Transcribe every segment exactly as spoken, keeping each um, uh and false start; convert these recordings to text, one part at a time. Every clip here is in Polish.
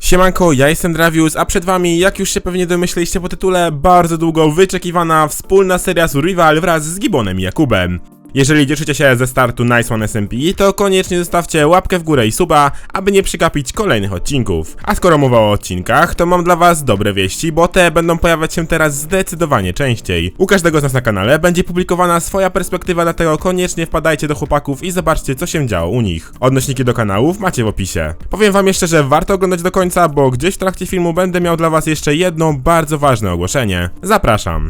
Siemanko, ja jestem Dravius, a przed wami, jak już się pewnie domyśleliście po tytule, bardzo długo wyczekiwana wspólna seria Survival wraz z Gibonem i Jakubem. Jeżeli cieszycie się ze startu Nice One S M P, to koniecznie zostawcie łapkę w górę i suba, aby nie przegapić kolejnych odcinków. A skoro mowa o odcinkach, to mam dla was dobre wieści, bo te będą pojawiać się teraz zdecydowanie częściej. U każdego z nas na kanale będzie publikowana swoja perspektywa, dlatego koniecznie wpadajcie do chłopaków i zobaczcie, co się działo u nich. Odnośniki do kanałów macie w opisie. Powiem wam jeszcze, że warto oglądać do końca, bo gdzieś w trakcie filmu będę miał dla was jeszcze jedno bardzo ważne ogłoszenie. Zapraszam.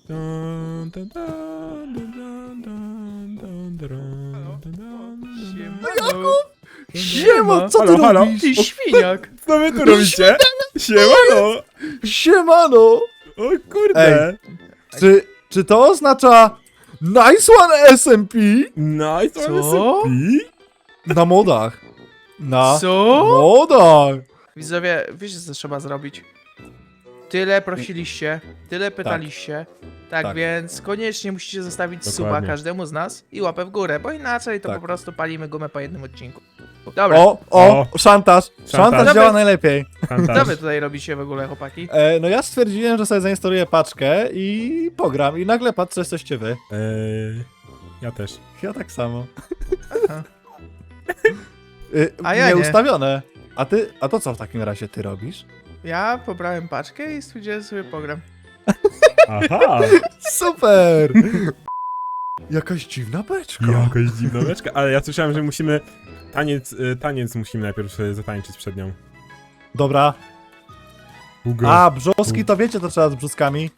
Siema, co ty halo, halo. robisz? Ty świniak! Co wy tu robicie? Siemano! Siemano! O kurde! Ej. Czy, czy to oznacza Nice One S M P? Nice One Co? S M P? Na modach. Na Co? modach. Widzowie, wiecie co trzeba zrobić? Tyle prosiliście, tyle pytaliście, tak, Tak. więc koniecznie musicie zostawić suba Dokładnie. każdemu z nas i łapę w górę, bo inaczej to Tak. po prostu palimy gumę po jednym odcinku. Dobra, O, o, szantaż. Szantaż Szantaż. działa najlepiej. co wy tutaj robicie w ogóle, chłopaki? E, no ja stwierdziłem, że sobie zainstaluję paczkę i pogram. I nagle patrzę, jesteście wy. Eee, ja też. Ja tak samo. Aha. Y, A ja nie. Nieustawione. A ty, a to co w takim razie ty robisz? Ja pobrałem paczkę i stwierdziłem sobie pogram. Aha! Super! Jakaś dziwna beczka. Jakaś dziwna beczka, ale ja słyszałem, że musimy... Taniec, y, taniec musimy najpierw y, zatańczyć przed nią. Dobra. Ugo. A, brzoski to wiecie, to trzeba z brzoskami.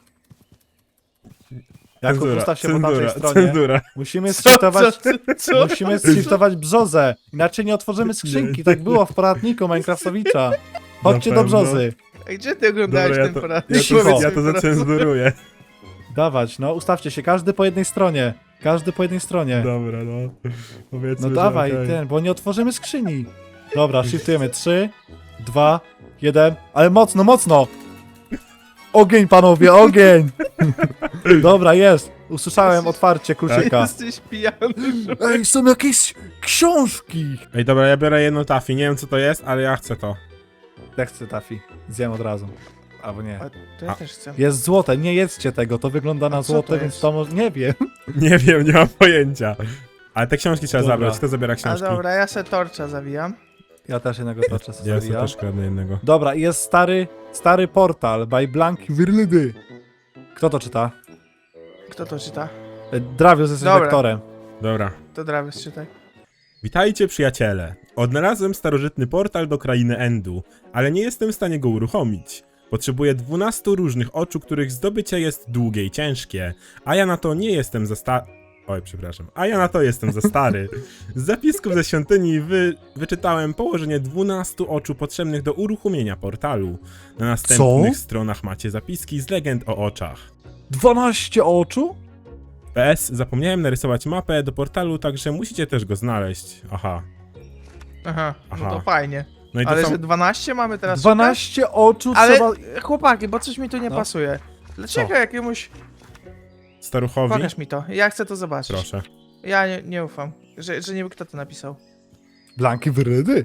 Jakub, Cenzura, ustaw się po cenzura, tamtej stronie. cenzura. Musimy shiftować, co, co? musimy shiftować brzozę. Inaczej nie otworzymy skrzynki. Tak było w poradniku Minecraftowicza. Chodźcie Na do pewno. brzozy. Ej, gdzie ty oglądałeś Dobra, ja ten to, poradnik? ja Cicho. to, ja to zacenzuruję. Dawać, no, ustawcie się. Każdy po jednej stronie. Każdy po jednej stronie. Dobra, no. Powiedzmy, No że dawaj, okej. ten, bo nie otworzymy skrzyni. Dobra, shiftujemy. trzy, dwa, jeden. Ale mocno, mocno! Ogień, panowie, ogień! Dobra, jest. Usłyszałem otwarcie kluczyka. Jesteś pijany. Ej, są jakieś książki! Ej, dobra, ja biorę jedno tafi. Nie wiem, co to jest, ale ja chcę to. Ja chcę tafi. Zjem od razu. Albo nie. A, to ja A. też chcę. Jest złote, nie jedzcie tego, to wygląda na A co złote, to więc jest? to może... Nie wiem. Nie wiem, nie mam pojęcia. Ale te książki trzeba Dobra. zabrać. Kto zabiera A książki? dobra, ja se torcza zawijam. Ja też jednego toczę sobie Ja sobie zawijam. też kradnę jednego. Dobra, i jest stary, stary portal by Blanki Wirlydy. Kto to czyta? Kto to czyta? E, Dravius jest Dobra. lektorem. Dobra. To Dravius czytaj. Witajcie, przyjaciele. Odnalazłem starożytny portal do krainy Endu, ale nie jestem w stanie go uruchomić. Potrzebuję dwunastu różnych oczu, których zdobycie jest długie i ciężkie, a ja na to nie jestem za sta... Oj, przepraszam. A ja na to jestem za stary. Z zapisków ze świątyni wy... wyczytałem położenie dwunastu oczu potrzebnych do uruchomienia portalu. Na następnych Co? stronach macie zapiski z legend o oczach. dwanaście oczu? P S. Zapomniałem narysować mapę do portalu, także musicie też go znaleźć. Aha. Aha, Aha. no to fajnie. No i to Ale są... że dwanaście mamy teraz dwanaście oczu szukać? Ale trzeba... chłopaki, bo coś mi tu nie No. pasuje. Dlaczego Co? jakiemuś... Staruchowi? Pokaż mi to, ja chcę to zobaczyć. Proszę. Ja nie, nie ufam, że, że nie wiem kto to napisał. Blanki Wirlydy.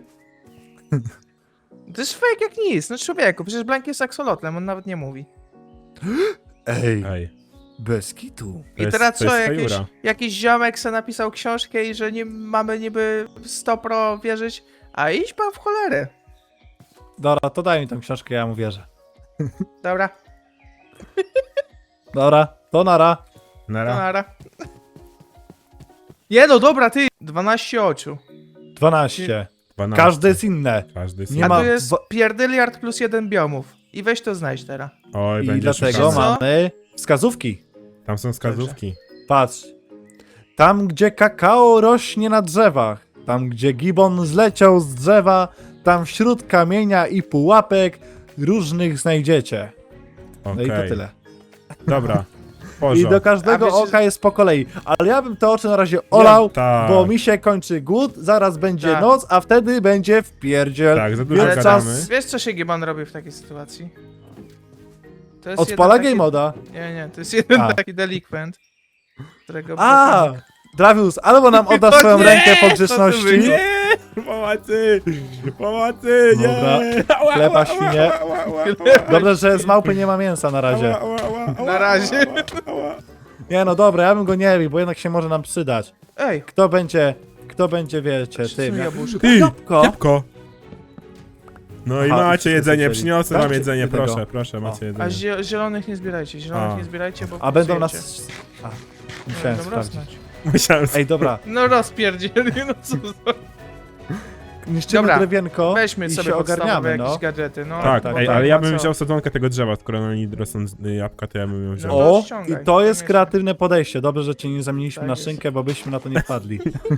To jest fake jak nic, no człowieku, przecież Blank jest aksolotlem, on nawet nie mówi. Ej, Ej. bez kitu. To I jest- teraz to co, jest jakiś, fajura. jakiś ziomek se napisał książkę i że nie mamy niby sto pro wierzyć, a idź pan w cholerę. Dobra, to daj mi tą książkę, ja mu wierzę. Dobra, Dobra, to nara. to Nara. nara. Nie no, dobra, ty, dwanaście oczu. dwanaście. dwanaście. Każde jest inne. Każdy jest Nie inny. A ma tu jest dwa- pierdyliard plus jeden biomów. I weź to znajdź teraz. Oj, I będzie dlatego szukane. Co? mamy wskazówki. Tam są wskazówki. Patrz. Tam, gdzie kakao rośnie na drzewach, tam, gdzie gibon zleciał z drzewa, tam wśród kamienia i pułapek różnych znajdziecie. Okej. No i to tyle. Dobra. I Porządek. do każdego A wiecie, oka jest po kolei. Ale ja bym te oczy na razie olał, tak. bo mi się kończy głód, zaraz będzie Tak. noc, a wtedy będzie wpierdziel. Tak, za dużo Ale gadamy. czas- Wiesz co się Giban robi w takiej sytuacji? To jest Odpala jeden game taki... moda. Nie, nie, to jest jeden A. taki delikwent, którego... A, Dravius, albo nam oddasz O swoją nie, rękę po co to grzeczności, było? Nie! Pomocy! Pomocy! Nie! Dobra. Ała, Chleba, ała, świnie. ała, ała, ała, Dobrze, że z małpy nie ma mięsa na razie. ała, ała, ała, Na razie. ała, ała. Nie no dobra, ja bym go nie bił, bo jednak się może nam przydać. Ej, Kto będzie, kto będzie, wiecie, są tym. jak- jabłuszko. Ty! Jabłko. Jabłko! No i Aha, macie wszyscy jedzenie, słyszeli. przyniosłem Tak, wam czy jedzenie, ty tego? proszę, proszę, macie A jedzenie. zie zielonych nie zbierajcie, zielonych A. nie zbierajcie, bo A będą psujecie. nas... A, musiałem Będą sprawdzić. rosnąć. Musiałem... Ej, dobra, No rozpierdzieli, no co za... niszczymy Dobra, drewienko Weźmy i sobie się podstawowe ogarniamy, jakieś no. gadżety, no. Tak, tak, ej, tak. ale ja No bym co? wziął sadzonkę tego drzewa, skoro na niej rosną y, jabłka, to ja bym ją wziął. No to O, ściągaj, i to jest koniecznie. kreatywne podejście. Dobrze, że cię nie zamieniliśmy Tak na jest. szynkę, bo byśmy na to nie wpadli.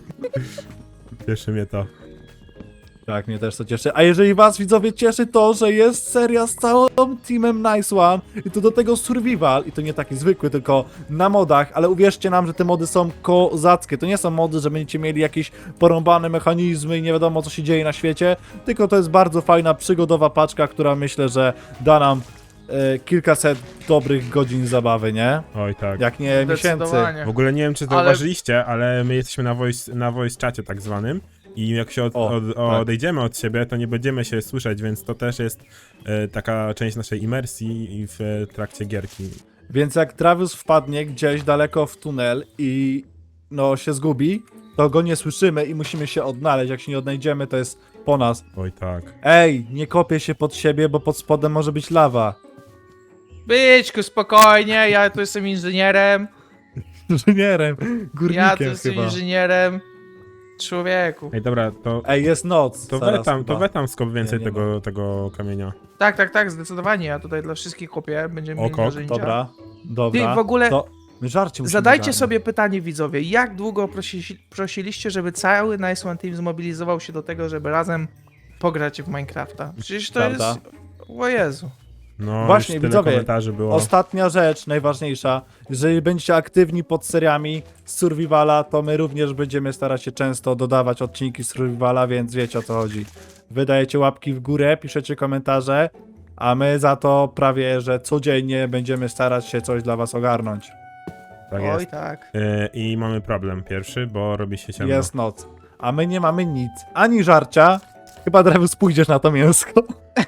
Cieszy mnie to. Tak, mnie też to cieszy. A jeżeli was, widzowie, cieszy to, że jest seria z całym teamem Nice One i to do tego survival, i to nie taki zwykły, tylko na modach, ale uwierzcie nam, że te mody są kozackie. To nie są mody, że będziecie mieli jakieś porąbane mechanizmy i nie wiadomo, co się dzieje na świecie, tylko to jest bardzo fajna, przygodowa paczka, która myślę, że da nam e, kilkaset dobrych godzin zabawy, nie? Oj tak. Jak nie miesięcy. Zdecydowanie. W ogóle nie wiem, czy Ale- zauważyliście, ale my jesteśmy na voice, na voice czacie tak zwanym i jak się od, O, od, tak. odejdziemy od siebie, to nie będziemy się słyszeć, więc to też jest e, taka część naszej imersji i w e, trakcie gierki. Więc jak Travis wpadnie gdzieś daleko w tunel i no się zgubi, to go nie słyszymy i musimy się odnaleźć. Jak się nie odnajdziemy, to jest po nas. Oj tak. Ej, nie kopię się pod siebie, bo pod spodem może być lawa. Byczku, spokojnie, ja tu jestem inżynierem. Inżynierem, górnikiem Ja tu jestem chyba. inżynierem. Człowieku. Ej, dobra, to, Ej, jest noc. to zaraz wetam, chyba. to wetam skop więcej Nie, nie tego, tego kamienia. Tak, tak, tak, zdecydowanie. Ja tutaj dla wszystkich kopię. Będziemy mieli Oko, narzędzia. Dobra, dobra. Ty, w ogóle To my żarcie musimy zadajcie ogarnąć. sobie pytanie, widzowie. Jak długo prosi, prosiliście, żeby cały Nice One Team zmobilizował się do tego, żeby razem pograć w Minecrafta? Przecież to Prawda. jest... O Jezu. No, Właśnie, już tyle widzowie, komentarzy było. Ostatnia rzecz, najważniejsza. Jeżeli będziecie aktywni pod seriami z Survivala, to my również będziemy starać się często dodawać odcinki z Survivala, więc wiecie o co chodzi. Wydajecie łapki w górę, piszecie komentarze, a my za to prawie, że codziennie będziemy starać się coś dla was ogarnąć. Tak Oj jest. tak. E, I mamy problem pierwszy, bo robi się ciemno. Jest noc. A my nie mamy nic. Ani żarcia. Chyba Drewus pójdziesz na to mięsko.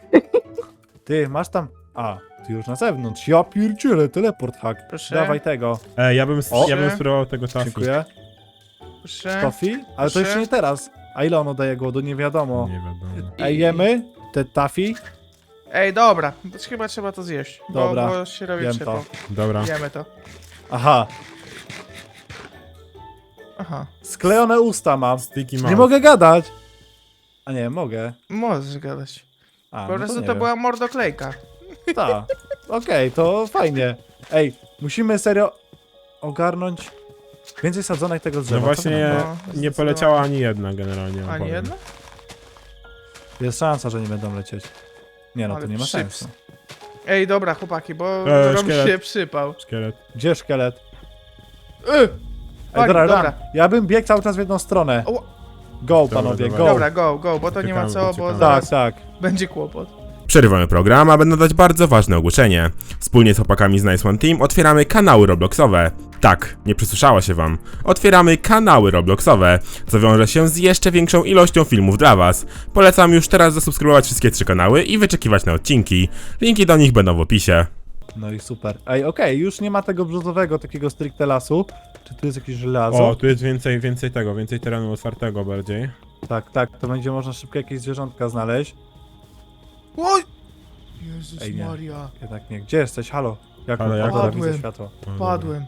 Ty, masz tam... A, ty już na zewnątrz. Ja pierdzielę, teleport hack. Proszę. Dawaj tego. E, ja bym, O. ja bym spróbował tego tofi. Dziękuję. Proszę. Tofi? Ale to Proszę. jeszcze nie teraz. A ile ono daje głodu? Nie wiadomo. Nie wiadomo. Ej, jemy te tafi? Ej, dobra. To chyba trzeba to zjeść. Bo, Dobra, bo się robi jem ciepło. to. Dobra. Jemy to. Aha, Aha. sklejone usta mam. Sticky Nie mouth. mogę gadać. A nie, mogę. Możesz gadać. A, Po no prostu nie to wiem. była mordoklejka. Ta. Okej, to fajnie. Ej, musimy serio ogarnąć więcej sadzonek tego drzewa. No Co właśnie wy nie, na to? No, nie zdecydowanie. poleciała ani jedna generalnie. Ani powiem. jedna? Jest szansa, że nie będą lecieć. Nie no, to Ale nie ma przyps. sensu. Ej, dobra, chłopaki, bo E, robi szkielet. się przypał. Szkielet. Gdzie szkielet? Yy! Ej, Fajnie, dobra, dobra. dobra. Ja bym biegł cały czas w jedną stronę. O, Go, Dobra, panowie, dobra. go. dobra, go, go, bo to nie ma Uciekamy, co, bo uciekamy. Tak, zaraz tak. będzie kłopot. Przerywamy program, a będę dać bardzo ważne ogłoszenie. Wspólnie z chłopakami z Nice One Team otwieramy kanały Robloxowe. Tak, nie przysłyszało się wam. Otwieramy kanały Robloxowe, co wiąże się z jeszcze większą ilością filmów dla was. Polecam już teraz zasubskrybować wszystkie trzy kanały i wyczekiwać na odcinki. Linki do nich będą w opisie. No i super. Ej, okej, już nie ma tego brzozowego, takiego stricte lasu. Czy tu jest jakieś żelazo? O, tu jest więcej, więcej tego, więcej terenu otwartego bardziej. Tak, tak, to będzie można szybko jakieś zwierzątka znaleźć. Oj! Jezus Ej, nie. Maria. Jednak nie. Gdzie jesteś? Halo? Jak Halo, o, jak? dobra, widzę Padłem. światło. O, Padłem.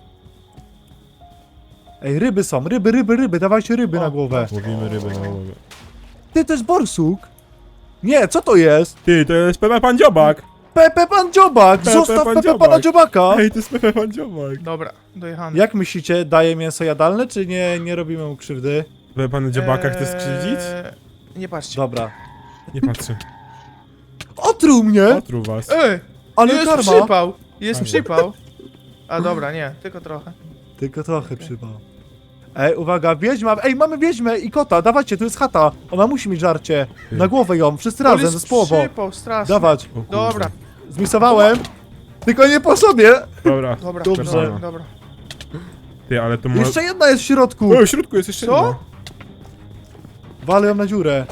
Ej, ryby są, ryby, ryby, ryby, dawajcie ryby O, na głowę. dobra. Łowimy ryby na głowę. Ty, to jest borsuk? Nie, co to jest? Ty, to jest Pepe Pan Dziobak! Pepe Pan Dziobak! Pepe Zostaw Pan Pepe Dziobak. Pana Dziobaka! Ej, to jest Pepe Pan Dziobak! Dobra, dojechany. Jak myślicie, daje mięso jadalne, czy nie, nie robimy mu krzywdy? Pepe Pan Dziobaka chce skrzywdzić? Eee, Nie patrzcie. Dobra. Nie patrzę. Otruł mnie! Otruł was. Ej! Ale jest karma! przypał! Jest A, przypał. A dobra, nie, tylko trochę. Tylko trochę przypał. Ej, uwaga, wiedźma! Ej, mamy wiedźmę i kota, dawajcie, tu jest chata. Ona musi mieć żarcie. Na głowę ją, wszyscy On razem, jest ze spłową. przypał, straszny. Dawać. O kurde. Dobra, Zmisowałem. Tylko nie po sobie. Dobra, dobra, Dobrze. dobra, dobra. Ty, ale to może... Jeszcze jedna jest w środku. O, w środku jest jeszcze Co? jedna. Walę ją na dziurę.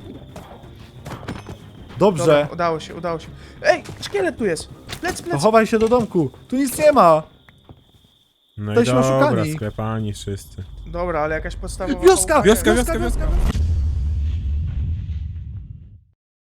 Dobrze. Dobra, udało się, udało się. Ej, szkielet tu jest! Plec, To plec! chowaj się do domku. Tu nic nie ma. No i Jesteśmy dobra, oszukani. sklepani wszyscy. Dobra, ale jakaś podstawowa... Wioska! chałupka Wioska, jest. wioska, wioska.